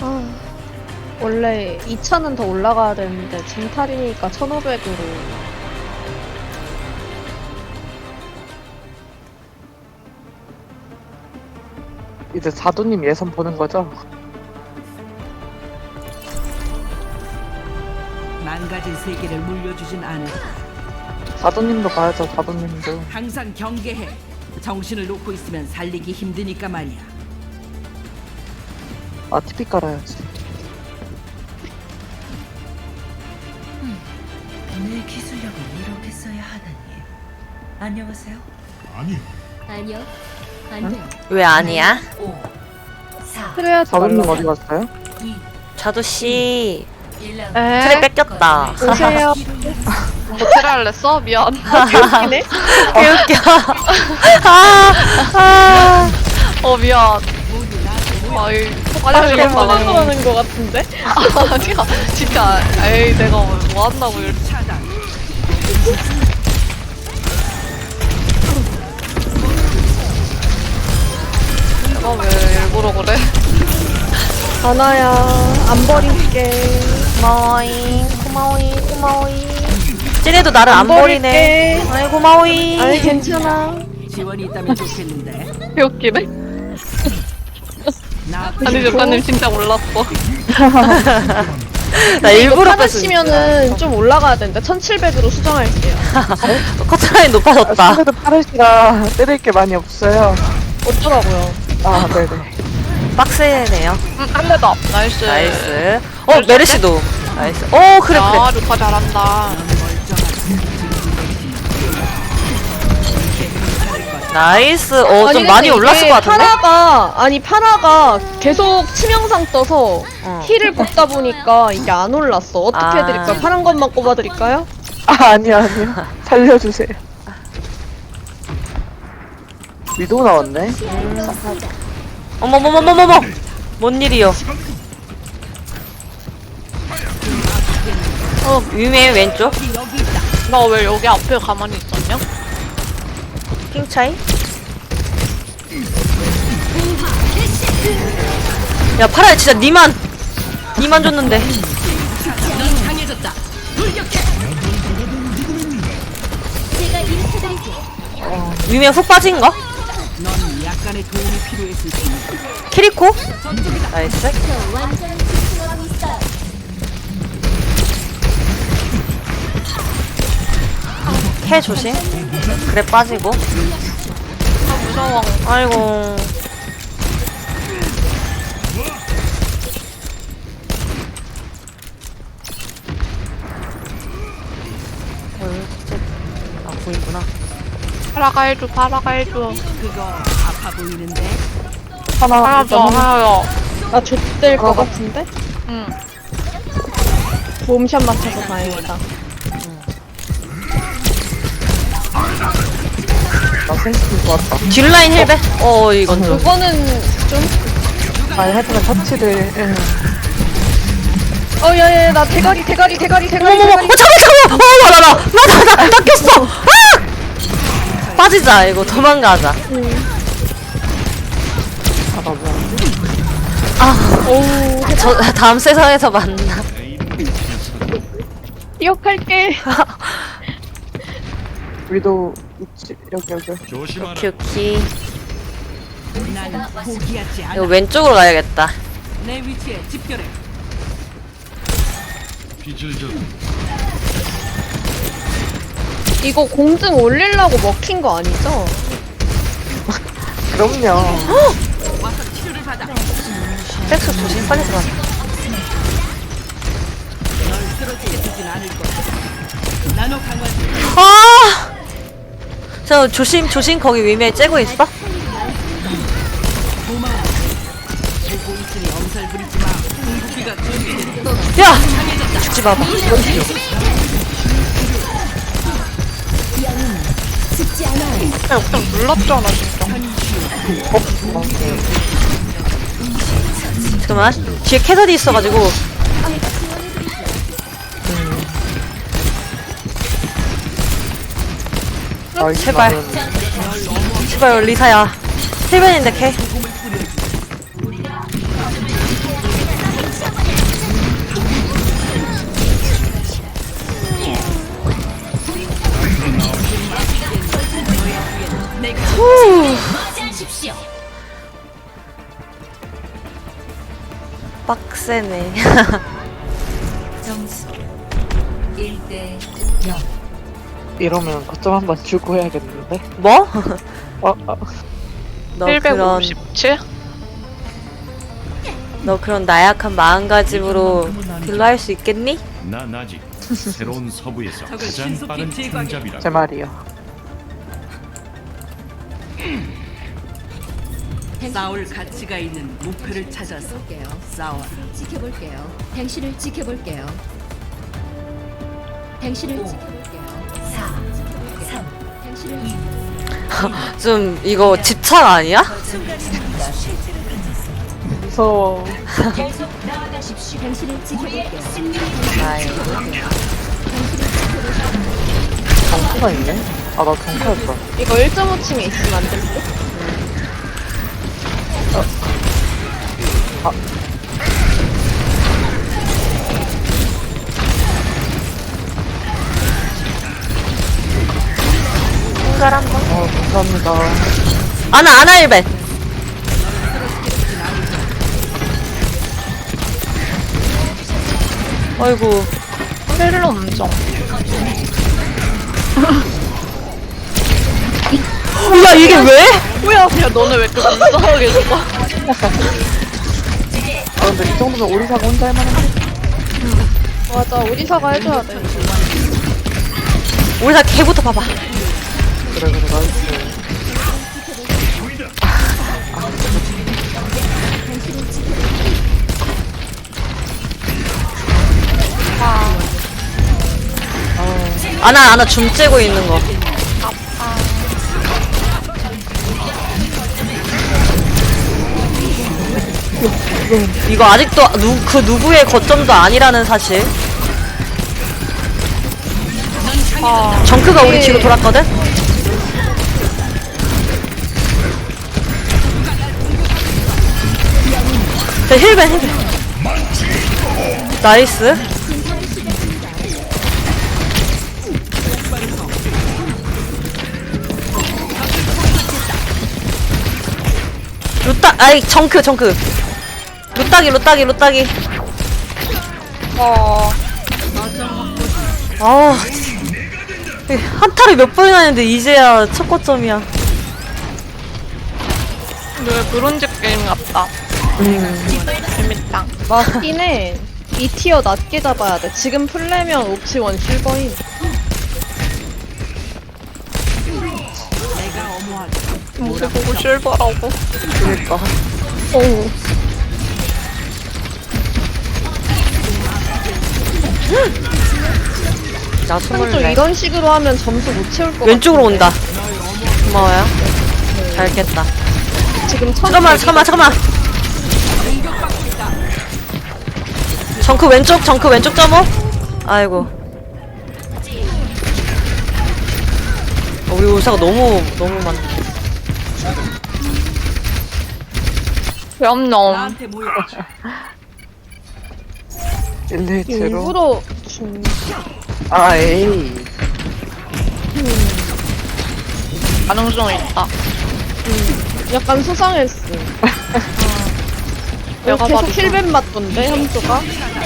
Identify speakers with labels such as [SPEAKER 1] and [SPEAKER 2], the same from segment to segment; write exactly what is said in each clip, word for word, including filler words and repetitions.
[SPEAKER 1] 아, 원래 이차는 더 올라가야 되는데 징탈이니까 천오백으로.
[SPEAKER 2] 이제 사도님 예선 보는 거죠?
[SPEAKER 3] 망가진 세계를 물려주진 않을.
[SPEAKER 2] 사도님도 봐야죠, 사도님도.
[SPEAKER 3] 항상 경계해. 정신을 놓고 있으면 살리기 힘드니까 말이야.
[SPEAKER 2] 아, 티피 깔아야지.
[SPEAKER 4] 내 기술력을 이렇게 써야 하다니. 안녕하세요.
[SPEAKER 5] 아니요. 안 돼.
[SPEAKER 6] 왜 아니야?
[SPEAKER 4] 오, 사,
[SPEAKER 1] 그래야지
[SPEAKER 2] 사도님
[SPEAKER 1] 말라.
[SPEAKER 2] 어디 갔어요?
[SPEAKER 4] 이,
[SPEAKER 6] 자두씨
[SPEAKER 4] 일 라운드.
[SPEAKER 6] 틀에 뺏겼다.
[SPEAKER 1] 오세요.
[SPEAKER 7] 뭐 테라를 냈어? 미안.
[SPEAKER 1] 웃기네.
[SPEAKER 6] 개웃겨. 아, 아.
[SPEAKER 7] 어 미안. 아이 화장실
[SPEAKER 1] 화장실
[SPEAKER 7] 갔다가
[SPEAKER 1] 가는 거 같은데?
[SPEAKER 7] 아니야 진짜 에이 내가 뭐 한다고 이렇게
[SPEAKER 3] 차단.
[SPEAKER 7] 내가 왜 일부러 그래?
[SPEAKER 1] 하나야, 안 버릴게.
[SPEAKER 6] 고마워잉, 고마워잉, 고마워잉. 쟤네도 나를 안
[SPEAKER 1] 안
[SPEAKER 6] 버리네.
[SPEAKER 1] 버릴게.
[SPEAKER 6] 아이 고마워잉.
[SPEAKER 1] 아니, 괜찮아.
[SPEAKER 3] 지원이 있다면 좋겠는데.
[SPEAKER 7] 웃기네.
[SPEAKER 3] 나
[SPEAKER 7] 아니 작가님 진짜 몰랐어.
[SPEAKER 6] 나 일부러
[SPEAKER 1] 하나
[SPEAKER 6] 뺐어.
[SPEAKER 1] 치면은 좀 올라가야 되는데 천칠백으로 수정할게요.
[SPEAKER 6] 커트라인 높아졌다.
[SPEAKER 2] 아무래도 파르시가 때릴 게 많이 없어요.
[SPEAKER 1] 어쩌라고요?
[SPEAKER 2] 아, 네네.
[SPEAKER 6] 빡세네요.
[SPEAKER 7] 응, 한 대 더. 나이스.
[SPEAKER 6] 나이스. 어 메르시도. 나이스. 오 그래 그래.
[SPEAKER 7] 아 루카 잘한다.
[SPEAKER 6] 나이스. 어 좀
[SPEAKER 1] 아니,
[SPEAKER 6] 많이
[SPEAKER 1] 근데
[SPEAKER 6] 올랐을
[SPEAKER 1] 이게
[SPEAKER 6] 것 같은데?
[SPEAKER 1] 파라가, 아니, 파라가 계속 치명상 떠서
[SPEAKER 6] 어.
[SPEAKER 1] 힐을 뽑다 보니까 이게 안 올랐어. 어떻게
[SPEAKER 6] 아.
[SPEAKER 1] 해드릴까요? 파란 것만 꼽아드릴까요?
[SPEAKER 2] 아, 아니요, 아니요. 살려주세요. 위도 나왔네?
[SPEAKER 6] 어머머머머머머. 뭔 일이요? 어 위메 왼쪽.
[SPEAKER 7] 나 왜 여기 앞에 가만히 있었냐?
[SPEAKER 6] 핑 차이. 야 파라야 진짜 니만 니만 줬는데.
[SPEAKER 3] 넌 강해졌다.
[SPEAKER 5] 제가 일으켜드리죠.
[SPEAKER 6] 위메 훅 빠진 거?
[SPEAKER 3] 넌 약간의 도움이 필요했을 테니.
[SPEAKER 6] 키리코? 나이스.
[SPEAKER 5] 저 완전 집중하고 있어요.
[SPEAKER 6] 캐 조심. 그래 빠지고.
[SPEAKER 7] 아 무서워.
[SPEAKER 6] 아이고. 어, 진짜 아 보이구나.
[SPEAKER 7] 파라가 해줘. 파라가 해줘.
[SPEAKER 3] 그거 아파 보이는데.
[SPEAKER 2] 하나,
[SPEAKER 7] 하나 더.
[SPEAKER 2] 일단은
[SPEAKER 7] 하나 더.
[SPEAKER 1] 나 좆될 것 같은데?
[SPEAKER 7] 응.
[SPEAKER 1] 몸샷 맞춰서 다행이다.
[SPEAKER 2] 나 센스티 좋았다.
[SPEAKER 6] 뒷라인 힐베. 어 이건 좀.
[SPEAKER 1] 그거는 좀,
[SPEAKER 2] 아니, 하여튼 터치를, 예.
[SPEAKER 1] 어, 야, 야, 야, 나 대가리, 대가리, 대가리, 대가리,
[SPEAKER 6] 어머머머.
[SPEAKER 1] 대가리.
[SPEAKER 6] 어 잠깐 잠깐. 어나나나나나나 낚였어. 아! 빠지자 이거 도망가자.
[SPEAKER 2] 아, 나 뭐야.
[SPEAKER 1] 어우,
[SPEAKER 6] 저 다음 세상에서 만나.
[SPEAKER 1] 기억할게.
[SPEAKER 2] 위도 있지, 여기, 여기.
[SPEAKER 6] 큐키.
[SPEAKER 3] 난 포기하지
[SPEAKER 6] 이거
[SPEAKER 3] 않아.
[SPEAKER 6] 왼쪽으로 가야겠다.
[SPEAKER 3] 내 위치에 집결해.
[SPEAKER 1] 이거 공증 올리려고 먹힌 거 아니죠?
[SPEAKER 2] 그럼요.
[SPEAKER 3] 와서 치료를 받아.
[SPEAKER 6] 백스 조심 빨리 들어가.
[SPEAKER 3] 널 쓰러지게 두진 않을 거야. 나노 강화.
[SPEAKER 6] 아! 저 조심 조심 거기 위에 째고 있어?
[SPEAKER 3] 고마워. 보고 있으니 엄살 부리지 마. 궁극기가 준비됐다.
[SPEAKER 6] 야! 죽지 마봐.
[SPEAKER 5] 죽지 않아요.
[SPEAKER 7] 그냥 그냥 눌렀잖아 진짜.
[SPEAKER 6] 잠깐만 뒤에 캐서디 있어가지고.
[SPEAKER 2] 아,
[SPEAKER 6] 제발. 제발 리사야. 힐벤인데 캐. 빡세네.
[SPEAKER 4] 점수 일 대 영.
[SPEAKER 2] 이러면 거점 한번 주고 해야겠는데?
[SPEAKER 6] 뭐?
[SPEAKER 2] 어, 어.
[SPEAKER 6] 너 그런
[SPEAKER 7] 칠백오십칠?
[SPEAKER 6] 너 그런 나약한 마음가짐으로 딜로 할 수 있겠니?
[SPEAKER 8] 난 아직 새로운 서부에서
[SPEAKER 3] 적을
[SPEAKER 8] 가장
[SPEAKER 3] 신속히
[SPEAKER 8] 빠른
[SPEAKER 3] 제거하게.
[SPEAKER 8] 총잡이라.
[SPEAKER 2] 제 말이요.
[SPEAKER 3] 싸울 가치가 있는 목표를 찾아서
[SPEAKER 5] 볼게요.
[SPEAKER 3] 싸워라.
[SPEAKER 5] 지켜볼게요. 당신을 지켜볼게요. 당신을
[SPEAKER 4] 오.
[SPEAKER 5] 지켜볼게요.
[SPEAKER 4] 사, 삼,
[SPEAKER 5] 당신을
[SPEAKER 4] 이.
[SPEAKER 6] 좀 이거 집착 아니야?
[SPEAKER 4] 순간입니다. 실체를 던졌습니다.
[SPEAKER 2] 무서워.
[SPEAKER 4] 계속 나아가십시오.
[SPEAKER 5] 당신을 지켜볼게요.
[SPEAKER 6] 아이고.
[SPEAKER 2] 정크가 있네? 아, 나 정크였어.
[SPEAKER 1] 이거 일 점 오 층에 있으면 안 될 듯?
[SPEAKER 6] 손갈 한 번.
[SPEAKER 2] 어, 감사합니다.
[SPEAKER 6] 아나 아나 일벤. 아이고.
[SPEAKER 7] 힐러 엄정.
[SPEAKER 6] 야 이게 왜?
[SPEAKER 7] 뭐야? 야 너네 왜 이렇게 불쌍하게 죽어?
[SPEAKER 2] 아, 근데 이 정도면 오리사가 혼자 할만한데?
[SPEAKER 1] 맞아, 오리사가 해줘야 돼.
[SPEAKER 6] 우리 다 개부터 봐봐.
[SPEAKER 2] 그래, 그래, 나이스.
[SPEAKER 6] 아나 아나 줌 째고 있는 거. 이거 아직도 누, 그 누구의 거점도 아니라는 사실. 정크가 우리 뒤로 돌았거든? 자, 힐벤, 힐벤. 나이스. 루따, 아이, 정크, 정크. 루따기, 루따기, 루따기.
[SPEAKER 7] 어.
[SPEAKER 6] 아, 한타를 몇 번이나 했는데 이제야 첫 거점이야.
[SPEAKER 7] 왜 브론즈 게임 같다. 음. 재밌다.
[SPEAKER 1] 맞긴 해. 이 티어 낮게 잡아야 돼. 지금 풀려면 옵치원 실버인.
[SPEAKER 3] 내가 어머하게.
[SPEAKER 7] 뭐를 보고 실버라고.
[SPEAKER 2] 그니까.
[SPEAKER 1] 오.
[SPEAKER 6] 나
[SPEAKER 1] 또
[SPEAKER 6] 스물네.
[SPEAKER 1] 이런 식으로 하면 점수 못 채울 것
[SPEAKER 6] 왼쪽으로
[SPEAKER 1] 같은데.
[SPEAKER 6] 온다. 고마워요. 잘 깼다.
[SPEAKER 1] 지금 천
[SPEAKER 6] 잠깐만, 잠깐만, 잠깐만. 정크 왼쪽, 정크 왼쪽 점호. 아이고. 어, 우리 울사가 너무 너무 많네.
[SPEAKER 7] 염놈.
[SPEAKER 3] 나한테 모여.
[SPEAKER 2] 일일제로.
[SPEAKER 1] 일부러 준.
[SPEAKER 2] 아, 에이.
[SPEAKER 7] 반응 중에 있다.
[SPEAKER 1] 약간 수상했어.
[SPEAKER 7] 내가
[SPEAKER 1] 계속
[SPEAKER 7] 봐도
[SPEAKER 1] 힐벤 맞던데 함수가.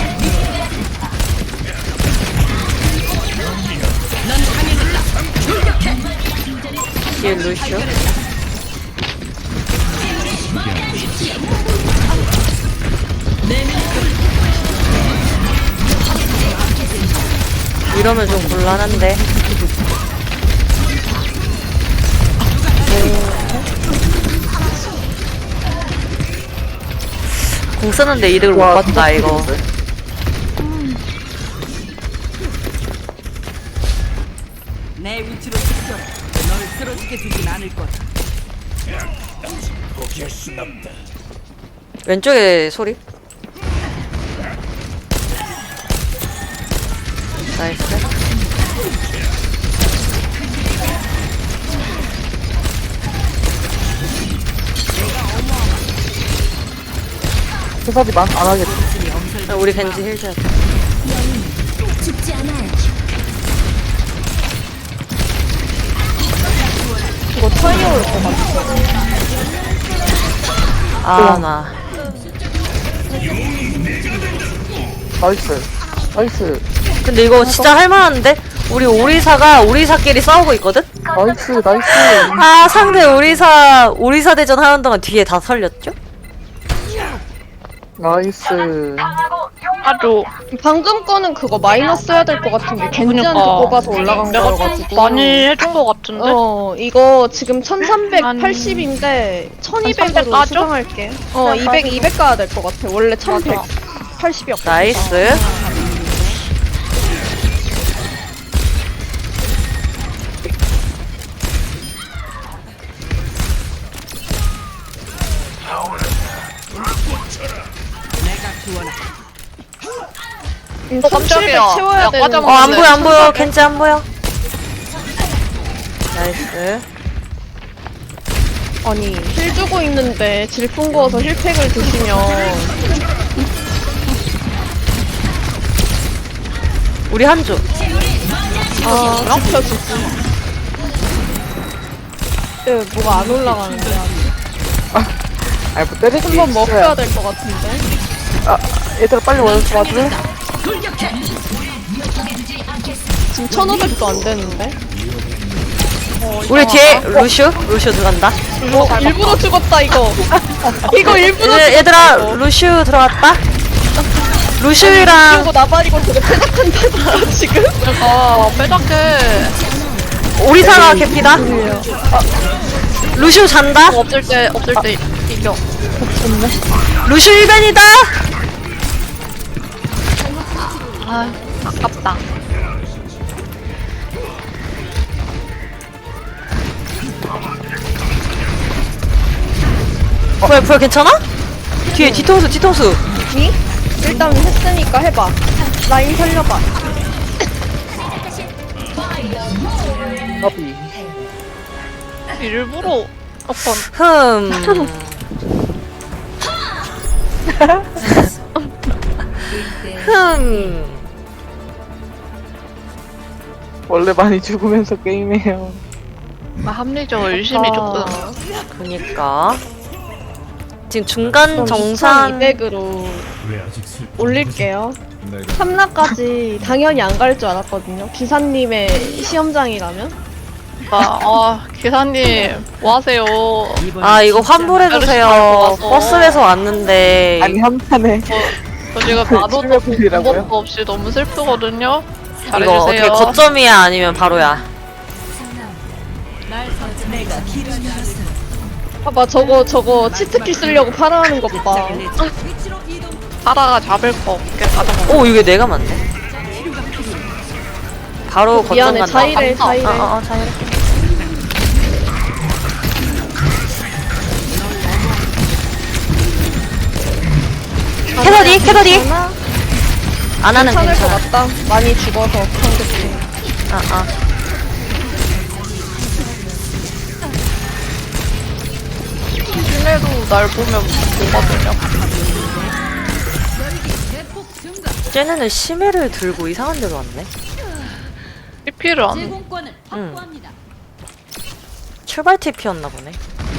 [SPEAKER 6] 뒤에 루시오. 이러면 좀 곤란한데. 공 쓰는데 이득을 못 봤다 이거.
[SPEAKER 3] 내 위치로 집결. 널 쓰러지게 두진 않을 거다.
[SPEAKER 6] 왼쪽에 소리. 나이스.
[SPEAKER 2] 회사지 만 안 하겠지.
[SPEAKER 6] 아, 우리 겐지 힐 줘야 돼.
[SPEAKER 5] 죽지 않아요.
[SPEAKER 1] 이거 타이어 올것 같아.
[SPEAKER 6] 아, 나.
[SPEAKER 2] 나이스. 나이스.
[SPEAKER 6] 근데 이거 진짜 할만한데? 우리 오리사가 오리사끼리 싸우고 있거든?
[SPEAKER 2] 나이스. 나이스.
[SPEAKER 6] 아 상대 오리사 오리사 대전 하는 동안 뒤에 다 설렸죠?
[SPEAKER 2] 나이스.
[SPEAKER 7] 아주
[SPEAKER 1] 방금 거는 그거 마이너스 해야 될 것 같은 게 겐지한테
[SPEAKER 7] 그러니까.
[SPEAKER 1] 뽑아서 올라간
[SPEAKER 7] 내가
[SPEAKER 1] 거여가지고.
[SPEAKER 7] 많이 해준 것 같은데?
[SPEAKER 1] 어, 이거 지금 천삼백팔십인데 천이백으로
[SPEAKER 7] 까죠?
[SPEAKER 1] 수정할게. 어, 이백, 이백 가야 될 것 같아. 원래 천백팔십이었거든.
[SPEAKER 6] 나이스.
[SPEAKER 3] 내가 구원하.
[SPEAKER 1] 음,
[SPEAKER 7] 어, 깜짝이야.
[SPEAKER 1] 천칠백 채워야
[SPEAKER 7] 야,
[SPEAKER 1] 되는데.
[SPEAKER 7] 과자
[SPEAKER 6] 어 안 보여 안 보여
[SPEAKER 7] 천사백.
[SPEAKER 6] 겐지 안 보여. 나이스.
[SPEAKER 1] 아니, 힐 주고 있는데 질풍 구워서 힐팩을 드시면
[SPEAKER 6] 우리 한조.
[SPEAKER 1] 아, 지켜주지. 예, 뭐가 안 올라가는데.
[SPEAKER 2] 아니 뭐 때리기
[SPEAKER 1] 한번 먹혀야 될 것 같은데.
[SPEAKER 2] 아 얘들아 빨리 와서 와줄래?
[SPEAKER 1] 지금 천오백도 안 되는데.
[SPEAKER 6] 우리 뒤에 루슈 루슈 들어간다.
[SPEAKER 1] 어, 일부러 죽었다, 이거. 이거 일부러
[SPEAKER 6] 얘, 얘들아 루슈 들어갔다. 루슈랑
[SPEAKER 1] 그리고 나발이고 되게 패작한다, 지금.
[SPEAKER 7] 아, 빼작해.
[SPEAKER 6] 오리사가 개피다. 아, 루슈 잔다.
[SPEAKER 7] 없을 때, 없을 때 이겨.
[SPEAKER 6] 루슈 일 변이다.
[SPEAKER 7] 아, 아깝다.
[SPEAKER 6] 뭐야 뭐야 괜찮아? 뒤에 뒤통수 뒤통수.
[SPEAKER 1] 니? 일단 했으니까 해봐. 라인 살려봐.
[SPEAKER 2] 까비.
[SPEAKER 7] 일부러 아빠
[SPEAKER 6] 흠. 흠.
[SPEAKER 2] 원래 많이 죽으면서 게임해요.
[SPEAKER 7] 합리적으로 열심히 조금.
[SPEAKER 6] 그니까 지금 중간
[SPEAKER 1] 그럼
[SPEAKER 6] 정산
[SPEAKER 1] 이천이백으로
[SPEAKER 8] 왜 아직 슬
[SPEAKER 1] 올릴게요.
[SPEAKER 8] 내가
[SPEAKER 1] 삼 라까지 당연히 안 갈 줄 알았거든요. 기사님의 시험장이라면.
[SPEAKER 7] 아, 아, 기사님, 뭐 하세요?
[SPEAKER 3] 이번
[SPEAKER 6] 아 이거
[SPEAKER 7] 말고
[SPEAKER 6] 환불해주세요.
[SPEAKER 7] 와서.
[SPEAKER 6] 버스에서 왔는데
[SPEAKER 2] 아니 한 판에
[SPEAKER 7] 저 지금 나도
[SPEAKER 2] 칠백불이라고요?
[SPEAKER 7] 방법도 없이 너무 슬프거든요?
[SPEAKER 6] 이거 어떻게
[SPEAKER 7] 잘해주세요.
[SPEAKER 6] 거점이야 아니면 바로야?
[SPEAKER 1] 봐봐, 저거, 저거, 치트키 쓰려고 팔아하는 것 봐.
[SPEAKER 7] 파라가 잡을 거 없게 가져가.
[SPEAKER 6] 오 이게 내가 맞네. 바로 거점
[SPEAKER 1] 미안해,
[SPEAKER 6] 간다.
[SPEAKER 1] 자이래,
[SPEAKER 6] 아,
[SPEAKER 1] 자이래.
[SPEAKER 6] 아, 아, 자이래. 캐서디 캐서디
[SPEAKER 1] 괜찮아?
[SPEAKER 6] 안 하는
[SPEAKER 1] 괜찮을 것
[SPEAKER 6] 괜찮아.
[SPEAKER 1] 같다. 많이 죽어서 상대팀.
[SPEAKER 6] 아 아.
[SPEAKER 7] 신뢰도 날 보면 뭐가 되냐?
[SPEAKER 6] 쟤네는 심해를 들고 이상한 데로 왔네.
[SPEAKER 7] 피피를 안.
[SPEAKER 5] 제공권을
[SPEAKER 6] 응.
[SPEAKER 5] 확보합니다.
[SPEAKER 6] 출발 티피였나 보네.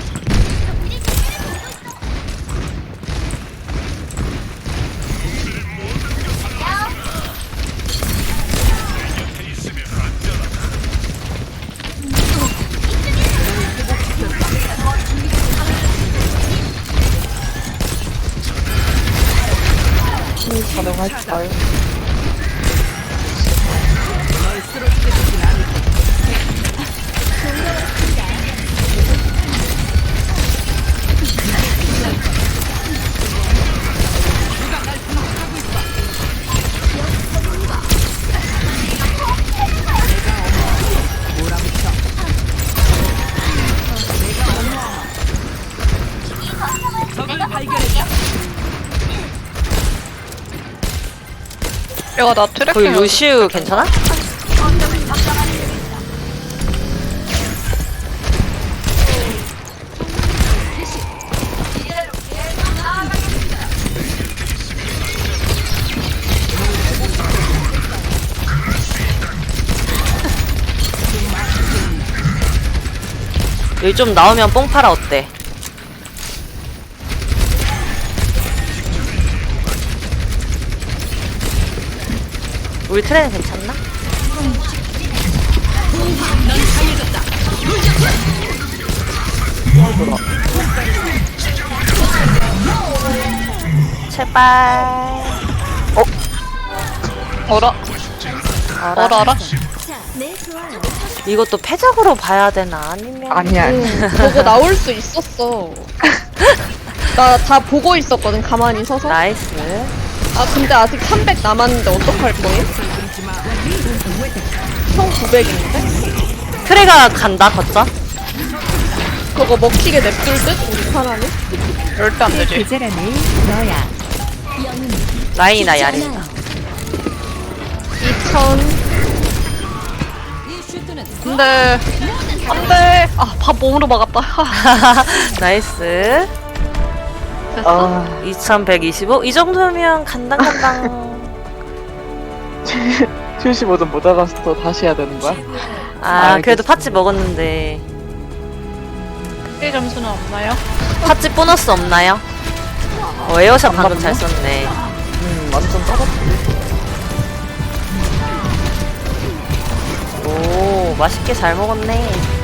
[SPEAKER 2] 가능할까요?
[SPEAKER 7] 내가 나
[SPEAKER 6] 거기
[SPEAKER 7] 트래킹
[SPEAKER 6] 루시우 괜찮아? 여기 좀 나오면 뽕 팔아 어때? 우리 트레는 괜찮나? 제발.
[SPEAKER 7] 어라
[SPEAKER 6] 어라.
[SPEAKER 7] 어라 어라.
[SPEAKER 5] 네, 좋아요.
[SPEAKER 6] 이것도 패작으로 봐야 되나 아니면?
[SPEAKER 2] 아니야.
[SPEAKER 1] 응, 보고 나올 수 있었어. 나 다 보고 있었거든, 가만히 서서.
[SPEAKER 6] 나이스.
[SPEAKER 1] 아, 근데 아직 삼백 남았는데 어떡할 거예요? 총 구백인데?
[SPEAKER 6] 트레가 간다 걷자.
[SPEAKER 1] 그거 먹히게 냅둘 듯? 우리 사람이?
[SPEAKER 7] 절대 안 되지.
[SPEAKER 5] 계절함을 너야.
[SPEAKER 6] 라인이나 야리나.
[SPEAKER 1] 이천.
[SPEAKER 7] 안돼 안돼. 아밥 몸으로 막았다. 하,
[SPEAKER 6] 나이스.
[SPEAKER 7] 됐어.
[SPEAKER 2] 아,
[SPEAKER 6] 이천백이십오? 이 정도면 간당간당.
[SPEAKER 2] 칠십오 점 못 알아서 또 다시 해야 되는 거야?
[SPEAKER 6] 아, 그래도
[SPEAKER 2] 알겠습니다.
[SPEAKER 6] 팥찌 먹었는데.
[SPEAKER 7] 일 점수는 없나요?
[SPEAKER 6] 팥찌 보너스 없나요? 어, 에어샷 방금
[SPEAKER 2] 없나?
[SPEAKER 6] 잘 썼네.
[SPEAKER 2] 음, 완전 떨어졌지.
[SPEAKER 6] 오, 맛있게 잘 먹었네.